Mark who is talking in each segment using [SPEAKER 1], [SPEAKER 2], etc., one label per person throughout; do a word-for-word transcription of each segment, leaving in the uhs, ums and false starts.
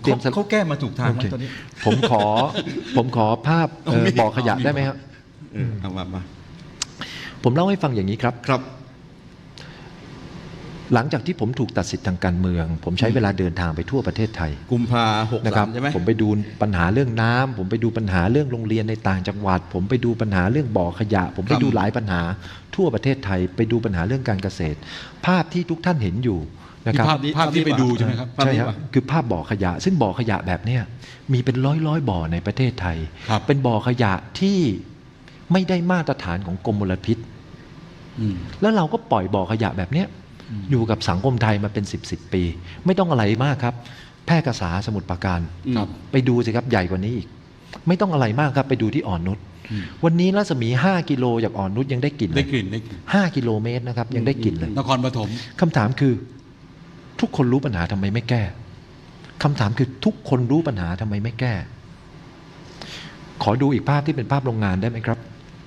[SPEAKER 1] เตรียม
[SPEAKER 2] เขาแก้มาถูกทางไหมตอนนี้
[SPEAKER 1] ผมขอผมขอภาพบ่อขยะได้ไหมครับ
[SPEAKER 2] เอามามา
[SPEAKER 1] ผมเล่าให้ฟังอย่างนี้ครับ
[SPEAKER 2] ครับ
[SPEAKER 1] หลังจากที่ผมถูกตัดสิทธิ์ทางการเมือง ผมใช้เวลาเดินทางไปทั่วประเทศไทย
[SPEAKER 2] กุมภาหกสามใช่ไหม
[SPEAKER 1] ผมไปดูปัญหาเรื่องน้ำผมไปดูปัญหาเรื่องโรงเรียนในต่างจังหวัดผมไปดูปัญหาเรื่องบ่อขยะผมไปดูหลายปัญหาทั่วประเทศไทยไปดูปัญหาเรื่องการเกษตรภาพที่ทุกท่านเห็นอยู่นะครับ
[SPEAKER 2] ภาพภาพที่ไปดูใช่ไหมครับ
[SPEAKER 1] ใช่ครับคือภาพบ่อขยะซึ่งบ่อขยะแบบเนี้ยมีเป็นร้อยร้อยบ่อในประเทศไทยเป็นบ่อขยะที่ไม่ได้มาตรฐานของกรมมลพิษแล้วเราก็ปล่อยบ่อขยะแบบเนี้ยอยู่กับสังคมไทยมาเป็นสิบสิบปีไม่ต้องอะไรมากครับแพร่กษาสมุทรปราการไปดูสิครับใหญ่กว่านี้อีกไม่ต้องอะไรมากครับไปดูที่อ่อนนุชวันนี้รัศมีห้ากิโลจากอ่อนนุชยังได้กลิ่น
[SPEAKER 2] ได้กลิ่นได้กลิ่น
[SPEAKER 1] ห้ากิโลเมตรนะครับยังได้กลิ่นเลย
[SPEAKER 2] นครปฐม
[SPEAKER 1] คำถามคือทุกคนรู้ปัญหาทำไมไม่แก้คำถามคือทุกคนรู้ปัญหาทำไมไม่แก้ขอดูอีกภาพที่เป็นภาพโรงงานได้ไหมครับ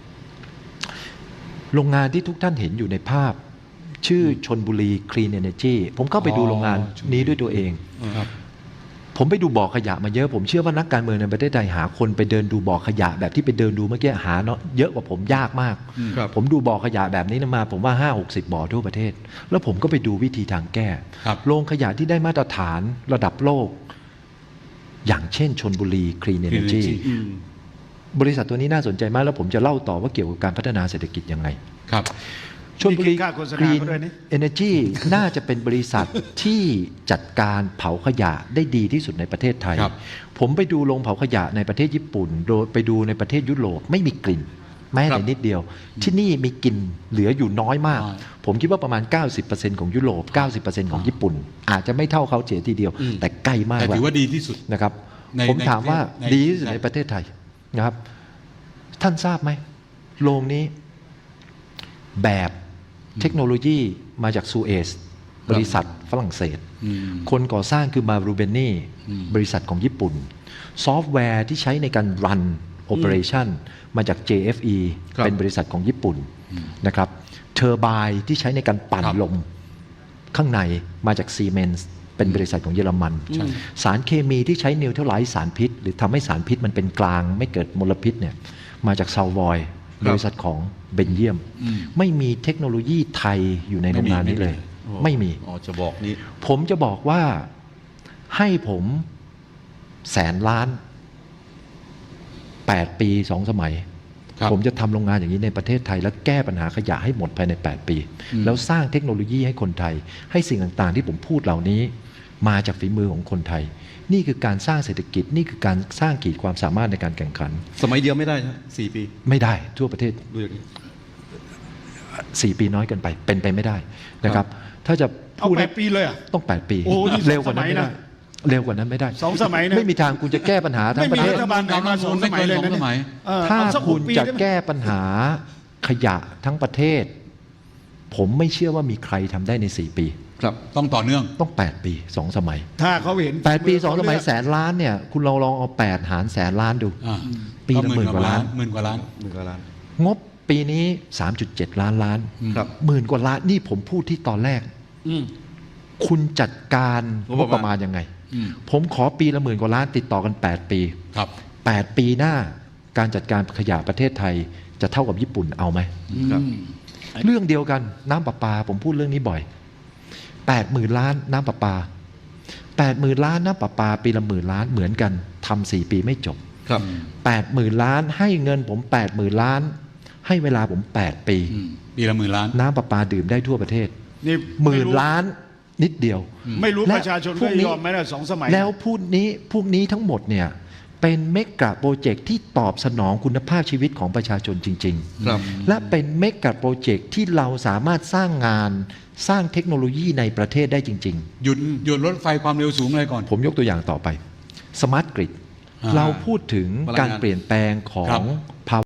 [SPEAKER 1] โรงงานที่ทุกท่านเห็นอยู่ในภาพชื่อชลบุรี Clean Energy ผมเข้าไปดูโรงงานนี้ด้วยตัวเองผมไปดูบ่อขยะมาเยอะผมเชื่อว่านักการเมืองในประเทศไทยหาคนไปเดินดูบ่อขยะแบบที่ไปเดินดูเมื่อกี้หาเนาะเยอะกว่าผมยากมากผมดูบ่อขยะแบบนี้มาผมว่า ห้าหกสิบ บ่อทั่วประเทศแล้วผมก็ไปดูวิธีทางแก้โรงขยะที่ได้มาตรฐานระดับโลกอย่างเช่นชลบุรี Clean Energy บริษัทตัวนี้น่าสนใจมากแล้วผมจะเล่าต่อว่าเกี่ยวกับการพัฒนาเศรษฐกิจยังไง
[SPEAKER 2] ครับ
[SPEAKER 1] ชลบุรี Green Energy น่าจะเป็นบริษัทที่จัดการเผาขยะได้ดีที่สุดในประเทศไทยผมไปดูโรงเผาขยะในประเทศญี่ปุ่นโดยไปดูในประเทศยุโรปไม่มีกลิ่นแม้แต่นิดเดียวที่นี่มีกลิ่นเหลืออยู่น้อยมากผมคิดว่าประมาณ เก้าสิบเปอร์เซ็นต์ ของยุโรป เก้าสิบเปอร์เซ็นต์ ของญี่ปุ่นอาจจะไม่เท่าเขาเสียทีเดียวแต่ใกล้มาก
[SPEAKER 2] แต่ถือว่าดีที่สุด
[SPEAKER 1] นะครับผมถามว่าดีที่สุดในประเทศไทยนะครับท่านทราบไหมโรงนี้แบบเทคโนโลยีมาจากซูเอสบริษัทฝรั่งเศสคนก่อสร้างคือมารูเบนนี่บริษัทของญี่ปุ่นซอฟต์แวร์ที่ใช้ในการรันโอเปอเรชันมาจาก เจ เอฟ อี เป็นบริษัทของญี่ปุ่นนะครับเทอร์ไบน์ที่ใช้ในการปั่นลมข้างในมาจากซีเมนส์เป็นบริษัทของเยอรมันสารเคมีที่ใช้นิวเทอร์ไลซ์สารพิษหรือทำให้สารพิษมันเป็นกลางไม่เกิดมลพิษเนี่ยมาจากซาววอยบริษัทของเบนเยียมไม่มีเทคโนโลยีไทยอยู่ในโรงงานนี้เลยไม่มี
[SPEAKER 2] อ๋อจะบอกนี้
[SPEAKER 1] ผมจะบอกว่าให้ผมแสนล้านแปดปีสองสมัยผมจะทำโรงงานอย่างนี้ในประเทศไทยแล้วแก้ปัญหาขยะให้หมดภายในแปดปีแล้วสร้างเทคโนโลยีให้คนไทยให้สิ่งต่างๆที่ผมพูดเหล่านี้มาจากฝีมือของคนไทยนี่คือการสร้างเศรษฐกิจนี่คือการสร้างขีดความสามารถในการแข่งขัน
[SPEAKER 2] สมัยเดียวไม่ได้ใช่สี่ปี
[SPEAKER 1] ไม่ได้ทั่วประเทศสี่ปีน้อยเกินไปเป็นไปไม่ได้นะครับถ้าจะ
[SPEAKER 3] พูดแปดปีเลยอ่ะ
[SPEAKER 1] ต้องแปดปีเร็วกว่านั้นไม่ได้เร็วกว่านั้นไม่ได้
[SPEAKER 3] สองสมัยนะ
[SPEAKER 1] ไม่มีทางคุณจะแก้ปัญหาทั้งประเทศ
[SPEAKER 3] รัฐบาลไหนมาสองสมัยเลยนะ
[SPEAKER 1] ถ้าคุณจะแก้ปัญหาขยะทั้งประเทศผมไม่เชื่อว่ามีใครทำได้ในสี่ปี
[SPEAKER 2] ครับต้องต่อเนื่อง
[SPEAKER 1] ต้องแปดปีสองสมัย
[SPEAKER 3] ถ้าเขาเห็น
[SPEAKER 1] แปดปีสองสมัยแสนล้านเนี่ยคุณลองลองเอาแปดหารแสนล้านดูปีละหมื่นกว่าล้าน
[SPEAKER 2] หมื่นกว่าล้านหมื่นกว่าล้าน
[SPEAKER 1] งบปีนี้ สามจุดเจ็ด ล้านล้านหมื่นกว่าล้านนี่ผมพูดที่ตอนแรกคุณจัดการงบประมาณยังไงผมขอปีละหมื่นกว่าล้านติดต่อกันแปดปีแปดปีหน้าการจัดการขยะประเทศไทยจะเท่ากับญี่ปุ่นเอาไหมเรื่องเดียวกันน้ำประปาผมพูดเรื่องนี้บ่อยแปดหมื่นล้านน้ำประปาแปดหมื่นล้านน้ำประปาปีละหมื่นล้านเหมือนกันทำสี่ปีไม่จบ
[SPEAKER 2] ครับ
[SPEAKER 1] แปดหมื่นล้านให้เงินผมแปดหมื่นล้านให้เวลาผมแปดปี
[SPEAKER 2] ปีละหมื่นล้าน
[SPEAKER 1] น้ำประปาดื่มได้ทั่วประเทศนี่หมื่นล้านนิดเดียว
[SPEAKER 3] ไม่รู้ประชาชนก็ยอมไหมล่ะสองสมัย
[SPEAKER 1] แล้วพูดนี้พวกนี้ทั้งหมดเนี่ยเป็นเมกะโปรเจกต์ที่ตอบสนองคุณภาพชีวิตของประชาชนจริงๆและเป็นเมกะโปรเจกต์ที่เราสามารถสร้างงานสร้างเทคโนโลยีในประเทศได้จริง
[SPEAKER 2] ๆหยุดหยุดรถไฟความเร็วสูงเลยก่อน
[SPEAKER 1] ผมยกตัวอย่างต่อไปสมาร์ทกริดเราพูดถึงการเปลี่ยนแปลงของ